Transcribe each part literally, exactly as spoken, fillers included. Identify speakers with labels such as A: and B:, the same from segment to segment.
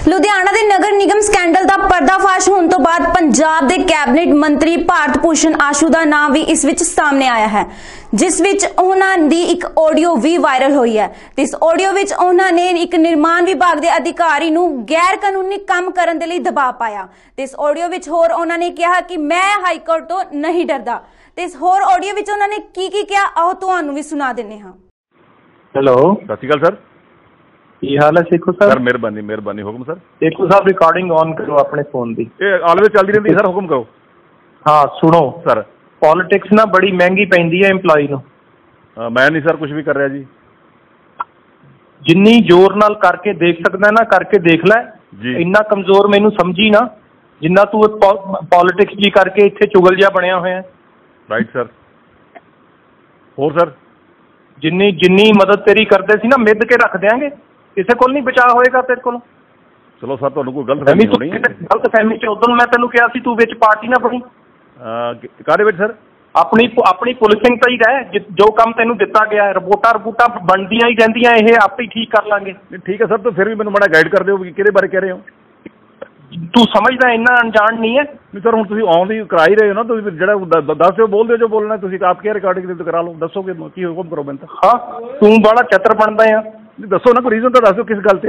A: ਲੁਧਿਆਣਾ ਦੇ ਨਗਰ ਨਿਗਮ ਸਕੈਂਡਲ ਦਾ ਪਰਦਾਫਾਸ਼ ਹੋਣ ਤੋਂ ਬਾਅਦ ਪੰਜਾਬ ਦੇ ਕੈਬਨਿਟ ਮੰਤਰੀ ਭਾਰਤ ਭੂਸ਼ਣ ਆਸ਼ੂ ਦਾ ਨਾਮ ਵੀ ਇਸ ਵਿੱਚ ਸਾਹਮਣੇ ਆਇਆ ਹੈ, ਜਿਸ ਵਿੱਚ ਉਹਨਾਂ ਦੀ ਇੱਕ ਆਡੀਓ ਵੀ ਵਾਇਰਲ ਹੋਈ ਹੈ। ਤੇ ਇਸ ਆਡੀਓ ਵਿੱਚ ਉਹਨਾਂ ਨੇ ਇੱਕ ਨਿਰਮਾਣ ਵਿਭਾਗ ਦੇ ਅਧਿਕਾਰੀ ਨੂੰ ਗੈਰ ਕਾਨੂੰਨੀ ਕੰਮ ਕਰਨ ਦੇ ਲਈ ਦਬਾਅ ਪਾਇਆ। ਤੇ ਇਸ ਆਡੀਓ ਵਿੱਚ ਹੋਰ ਉਹਨਾਂ ਨੇ ਕਿਹਾ ਕਿ ਮੈਂ ਹਾਈ ਕੋਰਟ ਤੋਂ ਨਹੀਂ ਡਰਦਾ। ਤੇ ਇਸ ਹੋਰ ਆਡੀਓ ਵਿੱਚ ਉਹਨਾਂ ਨੇ ਕੀ ਕੀ ਕਿਹਾ ਆਓ ਤੁਹਾਨੂੰ ਵੀ ਸੁਣਾ ਦਿੰਨੇ ਹਾਂ।
B: ਹੈਲੋ,
C: ਸਤਿ ਸ਼੍ਰੀ ਅਕਾਲ ਸਰ।
B: ਕੀ ਹਾਲ ਹੈ ਸੇਖੋ ਸਰ?
C: ਸਰ ਮਿਹਰਬਾਨੀ ਮਿਹਰਬਾਨੀ ਹੁਕਮ sir.
B: Sekhon Sahib recording on ਕਰੋ ਆਪਣੇ ਫੋਨ ਦੀ।
C: ਇਹ ਆਲਵੇਜ਼ ਚੱਲਦੀ ਰਹਿੰਦੀ ਸਰ, ਹੁਕਮ ਕਰੋ।
B: ਹਾਂ ਸੁਣੋ
C: ਸਰ,
B: ਪੋਲਿਟਿਕਸ ਨਾ ਬੜੀ ਮਹਿੰਗੀ ਪੈਂਦੀ ਹੈ EMPLOYE ਨੂੰ।
C: ਮੈਂ ਨਹੀਂ ਸਰ ਕੁਝ ਵੀ ਕਰ ਰਿਹਾ ਜੀ।
B: ਜਿੰਨੀ ਜ਼ੋਰ ਨਾਲ ਕਰਕੇ ਦੇਖ ਸਕਦਾ ਨਾ ਕਰਕੇ ਦੇਖ ਲੈ ਜੀ। ਇੰਨਾ ਕਮਜ਼ੋਰ ਮੈਨੂੰ ਸਮਝੀ ਨਾ ਜਿੰਨਾ ਤੂੰ ਪੋਲਿਟਿਕਸ ਜੀ ਕਰਕੇ ਇੱਥੇ ਚੁਗਲ ਜਿਹਾ ਬਣਿਆ ਹੋਇਆ।
C: Right sir. ਹੋਰ ਸਰ,
B: ਜਿੰਨੀ ਜਿੰਨੀ ਮਦਦ ਤੇਰੀ ਕਰਦੇ ਸੀ ਨਾ ਮਿੱਧ ਕੇ ਰੱਖ ਦਿਆਂਗੇ, ਕਿਸੇ ਕੋਲ ਨਹੀਂ ਬਚਾਅ ਹੋਏਗਾ ਤੇਰੇ ਕੋਲ।
C: ਚਲੋ ਸਰ, ਤੁਹਾਨੂੰ ਕੋਈ ਗਲਤ ਫਹਿਮੀ ਹੋਣੀ ਹੈ।
B: ਗਲਤ ਫਹਿਮੀ ਚ ਉਦੋਂ ਮੈਂ ਤੈਨੂੰ ਕਿਹਾ ਸੀ ਤੂੰ ਵਿੱਚ ਪਾਰਟੀ ਨਾ ਬਣੀ।
C: ਕਾਹਦੇ ਵਿੱਚ ਸਰ?
B: ਆਪਣੀ ਆਪਣੀ ਪੁਲਿਸਿੰਗ ਤਾਂ ਹੀ ਰਹਿ। ਜੋ ਕੰਮ ਤੈਨੂੰ ਦਿੱਤਾ ਗਿਆ ਰਿਪੋਰਟਾਂ ਰਿਪੋਰਟਾਂ ਬਣਦੀਆਂ ਹੀ ਰਹਿੰਦੀਆਂ, ਇਹ ਆਪੇ ਹੀ ਠੀਕ ਕਰ ਲਾਂਗੇ।
C: ਠੀਕ ਹੈ ਸਰ, ਤਾਂ ਫਿਰ ਵੀ ਮੈਨੂੰ ਮਾੜਾ ਗਾਈਡ ਕਰ ਦਿਓ ਕਿ ਕਿਹਦੇ ਬਾਰੇ ਕਹਿ ਰਹੇ ਹੋ।
B: ਤੂੰ ਸਮਝਦਾ ਇੰਨਾ ਅਣਜਾਣ ਨਹੀਂ ਹੈ।
C: ਨਹੀਂ ਸਰ, ਹੁਣ ਤੁਸੀਂ ਆਨ ਦੀ ਕਰਾ ਹੀ ਰਹੇ ਹੋ ਨਾ, ਤੁਸੀਂ ਜਿਹੜਾ ਦੱਸ ਦਿਓ, ਬੋਲ ਦਿਓ ਜੋ ਬੋਲਣਾ। ਤੁਸੀਂ ਆਪ ਕੀ ਰਿਕਾਰਡਿੰਗ ਕਰਾ ਲਓ, ਦੱਸੋਗੇ ਕੀ ਹੁਕਮ ਕਰੋ ਮੈਨੂੰ ਤਾਂ।
B: ਹਾਂ ਤੂੰ ਬੜਾ ਚਤਰ ਬਣਦਾ ਆ।
C: ਦੱਸੋ ਨਾ, ਕੋਈ ਰੀਜ਼ਨ ਤਾਂ ਦੱਸ ਦਿਓ ਕਿਸ ਗੱਲ ਤੇ।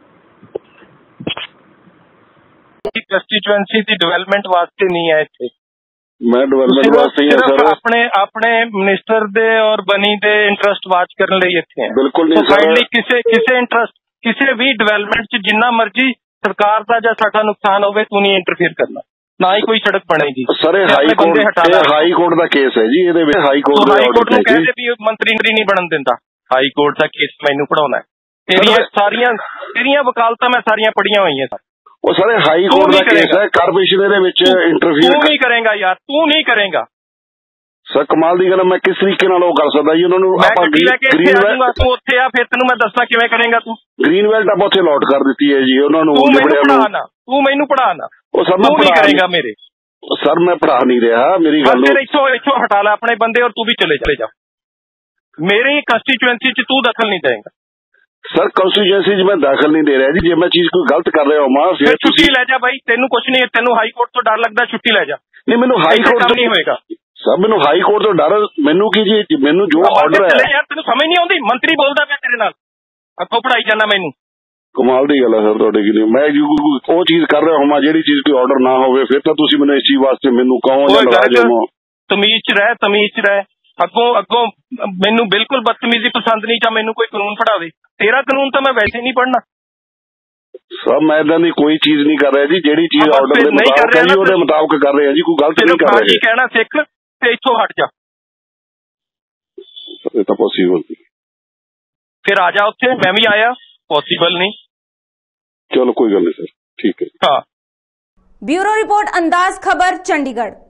B: ਕੰਸਟੀਚੁਐਂਸੀ ਦੀ ਡਿਵੈਲਪਮੈਂਟ ਵਾਸਤੇ ਨਹੀਂ ਹੈ ਇੱਥੇ।
D: ਮੈਂ ਡਿਵੈਲਪਮੈਂਟ ਵਾਸਤੇ ਹੀ ਹਾਂ ਸਰ।
B: ਆਪਣੇ ਆਪਣੇ ਮਿਨਿਸਟਰ ਦੇ ਔਰ ਬਣੀ ਦੇ ਇੰਟਰਸਟ ਵਾਚ ਕਰਨ ਲਈ ਇੱਥੇ ਹੈ।
D: ਬਿਲਕੁਲ ਨਹੀਂ
B: ਸਰ। ਕਿਸੇ ਕਿਸੇ ਇੰਟਰਸਟ ਕਿਸੇ ਵੀ ਡਿਵੈਲਪਮੈਂਟ 'ਚ ਜਿੰਨਾ ਮਰਜ਼ੀ ਸਰਕਾਰ ਦਾ ਜਾਂ ਸਾਡਾ ਨੁਕਸਾਨ ਹੋਵੇ, ਤੂੰ ਨਹੀਂ ਇੰਟਰਫੇਅਰ ਕਰਨਾ, ਨਾ ਹੀ ਕੋਈ ਸੜਕ ਬਣੇਗੀ।
D: ਸਰ ਇਹ ਹਾਈ ਕੋਰਟ ਹਾਈ ਕੋਰਟ ਦਾ ਕੇਸ ਹੈ ਜੀ। ਇਹਦੇ ਵਿੱਚ ਹਾਈ ਕੋਰਟ
B: ਹਾਈ ਕੋਰਟ ਨੂੰ ਕਹਿੰਦੇ ਵੀ ਮੰਤਰੀ ਨਹੀਂ ਬਣਨ ਦਿੰਦਾ। ਹਾਈ ਕੋਰਟ ਦਾ ਕੇਸ ਮੈਨੂੰ ਪੜਾਉਣਾ। ਤੇਰੀਆਂ ਸਾਰੀਆਂ ਤੇਰੀਆਂ ਵਕਾਲਤਾਂ ਮੈਂ ਸਾਰੀਆਂ ਪੜੀਆਂ ਹੋਈਆਂ ਸਰ।
D: ਉਹ ਸਾਰੇ ਹਾਈ ਕੋਰਟ ਦਾ ਕੇਸ ਹੈ। ਕਾਰਪੋਰੇਸ਼ਨ ਦੇ ਵਿੱਚ ਇੰਟਰਫੇਅਰ
B: ਤੂੰ ਨਹੀਂ ਕਰੇਗਾ ਯਾਰ, ਤੂੰ ਨਹੀਂ ਕਰੇਗਾ
D: ਸਰ। ਕਮਾਲ ਦੀ ਗੱਲ, ਮੈਂ ਕਿਸ ਤਰੀਕੇ ਨਾਲ ਉਹ ਕਰ ਸਕਦਾ ਜੀ ਉਹਨਾਂ ਨੂੰ। ਆਪਾਂ
B: ਗ੍ਰੀਨ ਵੈਲਟ ਤੂੰ ਉੱਥੇ ਆ, ਫਿਰ ਤੈਨੂੰ ਮੈਂ ਦੱਸਦਾ ਕਿਵੇਂ ਕਰੇਗਾ ਤੂੰ।
D: ਗ੍ਰੀਨ ਵੈਲਟ ਆਪਾਂ ਉੱਥੇ ਅਲਾਟ ਕਰ ਦਿੱਤੀ ਹੈ ਜੀ ਉਹਨਾਂ ਨੂੰ।
B: ਤੂੰ ਮੈਨੂੰ ਪੜਾ ਨਾ ਤੂੰ ਮੈਨੂੰ ਪੜਾ ਨਾ
D: ਉਹ ਸਰ
B: ਤੂੰ ਨਹੀਂ ਕਰੇਗਾ ਮੇਰੇ।
D: ਸਰ ਮੈਂ ਪੜਾ ਨਹੀਂ ਰਿਹਾ, ਮੇਰੀ ਗੱਲ।
B: ਫਿਰ ਇੱਥੋਂ ਇੱਥੋਂ ਹਟਾ ਲੈ ਆਪਣੇ ਬੰਦੇ ਔਰ ਤੂੰ ਵੀ ਚਲੇ ਚਲੇ ਜਾ। ਮੇਰੀ ਕੰਸਟੀਚੁਐਂਸੀ 'ਚ ਤੂੰ ਦਖਲ ਨਹੀਂ ਦੇਗਾ
D: ਸਰ। ਕੰਸਟੀਚੁਐਂਸੀ 'ਚ ਮੈਂ ਦਾਖਲ ਨਹੀਂ ਦੇ ਰਿਹਾ ਜੀ। ਜੇ ਮੈਂ ਚੀਜ਼ ਕੋਈ ਗਲਤ ਕਰ ਰਿਹਾ ਹਾਂ
B: ਫਿਰ ਛੁੱਟੀ ਲੈ ਜਾ ਬਾਈ। ਤੈਨੂੰ ਕੁਛ ਨਹੀਂ, ਤੈਨੂੰ ਹਾਈ ਕੋਰਟ ਤੋਂ ਡਰ ਲੱਗਦਾ, ਛੁੱਟੀ ਲੈ ਜਾ।
D: ਨਹੀਂ ਮੈਨੂੰ ਹਾਈ ਕੋਰਟ ਤੋਂ
B: ਨਹੀਂ ਹੋਏਗਾ
D: ਸਰ। ਮੈਨੂੰ ਹਾਈ ਕੋਰਟ ਤੋਂ ਡਰ ਮੈਨੂੰ ਕੀ ਜੀ, ਮੈਨੂੰ ਜੋ ਆਰਡਰ ਹੈ।
B: ਯਾਰ ਤੈਨੂੰ ਸਮਝ ਨਹੀਂ ਆਉਂਦੀ, ਮੰਤਰੀ ਬੋਲਦਾ ਪਿਆ ਤੇਰੇ ਨਾਲ, ਅੱਗੋਂ ਪੜਾਈ ਜਾਂਦਾ ਮੈਨੂੰ।
D: ਕਮਾਲ ਦੀ ਗੱਲ ਹੈ ਸਰ ਤੁਹਾਡੇ ਕੀ। ਮੈਂ ਉਹ ਚੀਜ਼ ਕਰ ਰਿਹਾ ਹਾਂ ਜਿਹੜੀ ਚੀਜ਼ ਕੋਈ ਆਰਡਰ ਨਾ ਹੋਵੇ, ਫਿਰ ਤਾਂ ਤੁਸੀਂ ਮੈਨੂੰ ਇਸ ਚੀਜ਼ ਵਾਸਤੇ ਮੈਨੂੰ ਕਹੋ ਜਾਂ ਨਾਰਾਜ਼ ਹੋ।
B: ਤਮੀਜ਼ 'ਚ ਰਹਿ, ਤਮੀਜ਼ 'ਚ ਰਹਿ। ਅੱਗੋਂ ਅੱਗੋਂ ਮੈਨੂੰ ਬਿਲਕੁਲ ਬਦਤਮੀਜ਼ੀ ਪਸੰਦ ਨਹੀਂ। ਜਾਂ ਮੈਨੂੰ ਕੋਈ ਕਾਨੂੰਨ ਪੜਾਵੇ, ਤੇਰਾ ਕਾਨੂੰਨ ਤਾਂ ਮੈਂ ਵੈਸੇ ਨਹੀਂ ਪੜ੍ਹਨਾ
D: ਸਰ। ਮੈਂ ਇਦਾਂ ਦੀ ਕੋਈ ਚੀਜ਼ ਨਹੀਂ ਕਰ ਰਿਹਾ ਜੀ। ਜਿਹੜੀ ਚੀਜ਼ ਆਰਡਰ ਦੇ ਮੁਤਾਬਕ ਹੈ ਜੀ ਉਹਦੇ ਮੁਤਾਬਕ ਕਰ ਰਹੇ ਆ ਜੀ। ਕੋਈ ਗਲਤ ਨਹੀਂ ਕਰ ਰਹੇ।
B: ਕਹਿਣਾ ਸਿੱਖ ਤੇ ਇੱਥੋਂ ਹਟ ਜਾ।
D: ਇਹ ਤਾਂ ਪੋਸੀਬਲ ਨਹੀਂ।
B: ਫਿਰ ਆ ਜਾ ਉੱਥੇ, ਮੈਂ ਵੀ ਆਇਆ। ਪੋਸੀਬਲ ਨਹੀਂ।
D: ਚਲੋ ਕੋਈ ਗੱਲ ਨਹੀਂ ਸਰ, ਠੀਕ ਹੈ।
B: ਹਾਂ।
A: ਬਿਊਰੋ ਰਿਪੋर्ट अंदाज खबर चंडीगढ़।